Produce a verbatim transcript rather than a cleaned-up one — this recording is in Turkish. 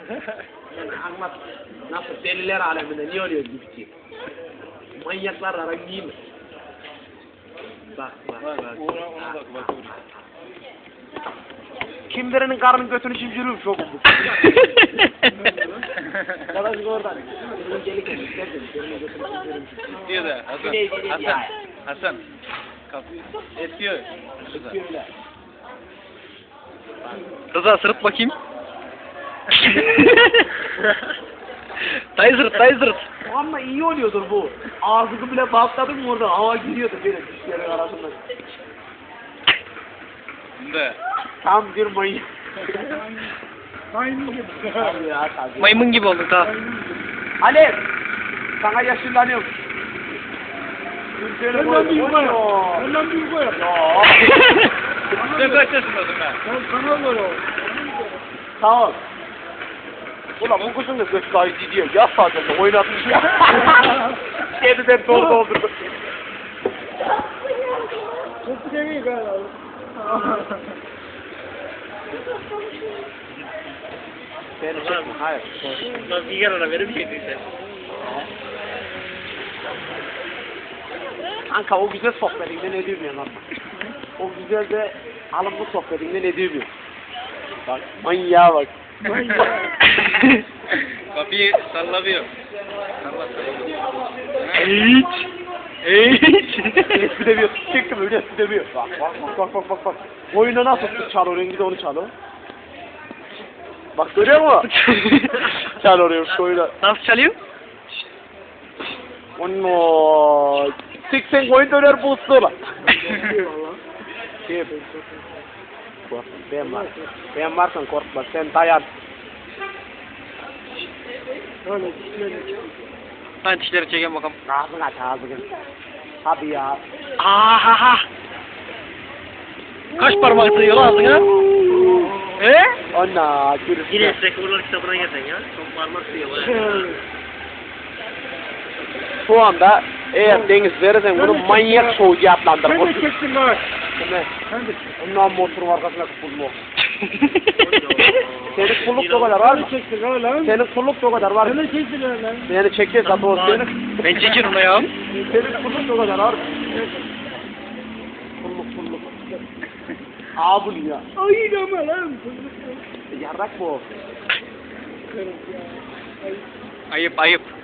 Yani anlat. Nasıl deliler aleminde niye oluyor gibi. Manyaklar aran değil mi? Bak bak bak. Uğra ona bak bak. Kim birinin karnının götünü çimdiriyor çok bu. Arkadaş oradan. Bunun gelik isterdim. Birinin götünü çimdiriyor. Diyor da Hasan. Hasan. Hasan. Kapıyı etiyor. Öyle. Rıza sırıt bakayım. Dayı sırıt, dayı sırıt. Ama iyi oluyordur bu. Ağzını bile bastladın mı orada hava gidiyordu böyle dişlerin arasında. Da. Tam bir mayın. Maymun gibi. Tabii ya tabii. Maymun gibi olduk ha. Alev! Sana yaşlanıyorum. Türkiye'nin Benden büyük boyu. o. Benden büyük o. Ya. Sen kaç yaşındasın ben? Sen kanal var o. Sağ ol. Ulan bu kızın da göz gayet diyor. Ya sadece oynatmış ya. Kediden dolu doldurdu. Çok değil galiba. Seni çekme. Hayır. Nasıl bir ara verir miydin Kanka o güzel sohbetinden ne diyorum ya lan? O güzel de alımlı sohbetinden ne diyorum? Bak manyağa bak. Kapıyı sallamıyor. Salla salla. Hiç. Hiç. Espri demiyor. Çektim öyle espri demiyor. Bak bak bak bak bak bak. Oyunda nasıl çalıyor rengi de onu çalıyor. Bak görüyor musun? Çalıyor şu oyunda. Nasıl çalıyor? Ono. seksen koyun döner bu ıslığı. Kim? Bak ben var. Ben varsan korkma sen dayan. Öyle dişleri. Hadi dişleri çekelim bakalım. Ağzını aç ağzını. Tabii ya. Ahaha. Kaç parmak sığıyor lan ağzına? He? Ona gürüz. Guinness Rekorlar kitabına gelsen ya. Çok parmak sığıyor bana. Şu anda eğer deniz verirsen bunu manyak soğucu adlandır. Sen de çektin bak. Ne? Sen de. Ondan motorun arkasına kıpılma. Senin kulluk da kadar var mı? Sen de çektin ha lan. Senin kulluk da kadar var Sen mı? de çektin ha lan. Beni çekiyor zaten o senin. Ben çekiyorum onu ya. Senin kulluk da kadar var mı? Kulluk kulluk. Abul ya. Ay deme lan. Yarrak bu. Ayıp ayıp.